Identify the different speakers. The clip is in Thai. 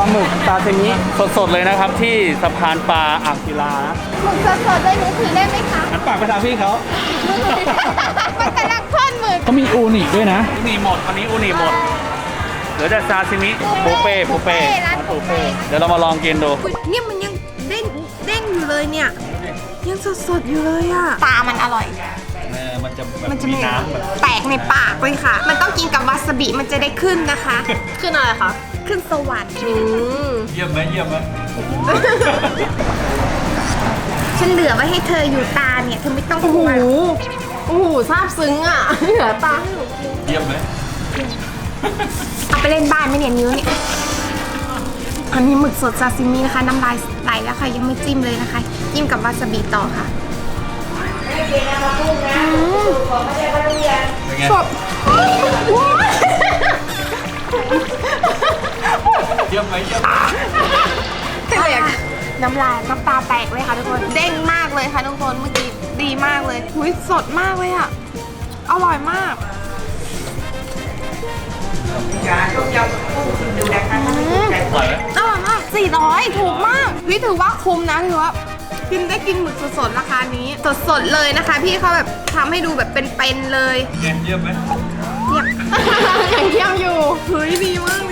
Speaker 1: ลาหมึกซาซิมิสดๆเลยนะครับที่สะพานปลาอ่างศิลานะ
Speaker 2: หมึกสดๆเลยหนูถือได้ไหมคะ
Speaker 1: หันปากไปทางพี่เขา
Speaker 2: มันกำลังทอดหมึก
Speaker 1: เขามีอูนิด้วยนะอูนิหมดวันนี้อูนิหมดเหลือแต่ซาซิมิปูเป้ร้านปูเป้เดี๋ยวเรามาลองกินดู
Speaker 2: เนี่ยมันยังเด้งอยู่เลยเนี่ยยังสดๆอยู่เลยอ่ะปลามันอร่อย
Speaker 1: มันจะ
Speaker 2: มันจะมีน้ำแตกในปากเลยค่ะ มันต้องกินกับวาซาบิมันจะได้ขึ้นนะคะ
Speaker 3: ขึ้นอะไรคะ
Speaker 2: ขึ้นสวรรค์
Speaker 1: เยี่ยมไหม
Speaker 2: ฉันเหลือไว้ให้เธออยู่ตาเนี่ยเธอไม่ต้องก
Speaker 3: โอ้
Speaker 2: ลั
Speaker 3: โห
Speaker 2: ว
Speaker 3: โอ้โหซาบซึ้งอ่ะ เหลือตาให้หนูกิน
Speaker 1: เยี่ยมไหม
Speaker 2: เอาไปเล่นบ้านไหมเนี่ยนิ้วเนี่ยอันนี้หมึกสดซาซิมินะคะน้ำลายไหลแล้วค่ะยังไม่จิ้มเลยนะคะจิ้มกับวาซาบิต่อค่ะ
Speaker 1: เป็นไง
Speaker 2: สด
Speaker 1: เยี่ยมไหม
Speaker 2: น้ำลายน้ำตาแตกเลยค่ะทุกคนเด้งมากเลยค่ะทุกคนเมื่อกี้ดีมากเลยหุยสดมากเลยอ่ะอร่อยมากอร่อยมาก400ถูกมากพี่ถือว่าคุ้มนะถือว่ากินหมึกสดๆราคานี้สดๆเลยนะคะพี่เขาแบบทำให้ดูแบบเป็นๆเลย
Speaker 1: เยี่ยมไหม
Speaker 2: เยี่ยม
Speaker 3: ยังเยี่ยมอยู่
Speaker 2: เฮ้ยดีมาก